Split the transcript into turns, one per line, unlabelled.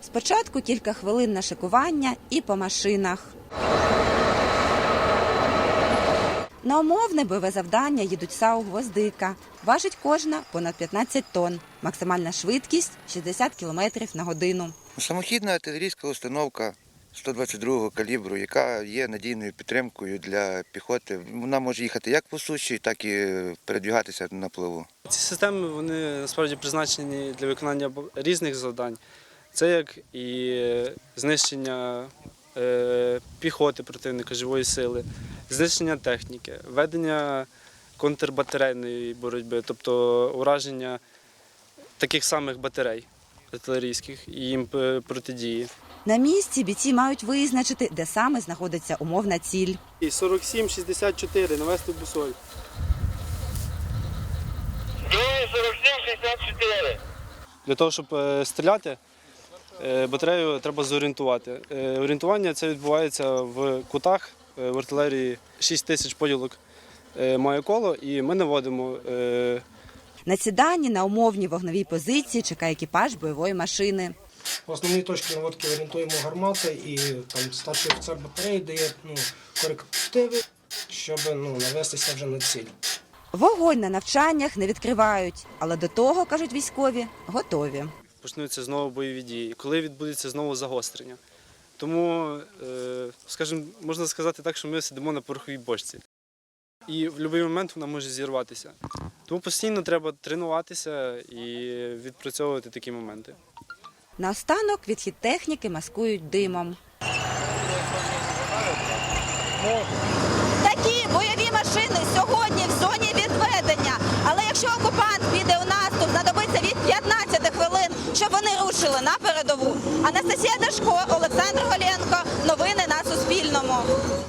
Спочатку кілька хвилин на шикування і по машинах. На умовне бойове завдання їдуть САУ «Гвоздика». Важить кожна понад 15 тонн. Максимальна швидкість – 60 км на годину.
Самохідна артилерійська установка 122-го калібру, яка є надійною підтримкою для піхоти. Вона може їхати як по суші, так і передвігатися на плаву.
Ці системи вони насправді призначені для виконання різних завдань. Це як і знищення піхоти противника, живої сили, знищення техніки, ведення контрбатарейної боротьби, тобто ураження таких самих батарей артилерійських і їм протидії.
На місці бійці мають визначити, де саме знаходиться умовна ціль.
47-64, навести бусоль.
47-64.
Для того, щоб стріляти, батарею треба зорієнтувати. Орієнтування це відбувається в кутах, в артилерії 6 тисяч поділок має коло, і ми наводимо.
На сіданні на умовній вогновій позиції чекає екіпаж бойової машини.
В основні точки наводки орієнтуємо гармати, і там старший офіцер батареї дає корективи, щоб навестися вже на ціль.
Вогонь на навчаннях не відкривають, але до того, кажуть військові, готові.
Почнуться знову бойові дії, коли відбудеться знову загострення. Тому, скажімо, можна сказати так, що ми сидимо на пороховій бочці. І в будь-який момент вона може зірватися. Тому постійно треба тренуватися і відпрацьовувати такі моменти.
Наостанок відхід техніки маскують димом. Такі бойові машини сьогодні в зоні відведення. Але якщо окупант піде у наступ, знадобиться від 15 хвилин, щоб вони рушили на передову. Анастасія Дашко, Олександр Голєв.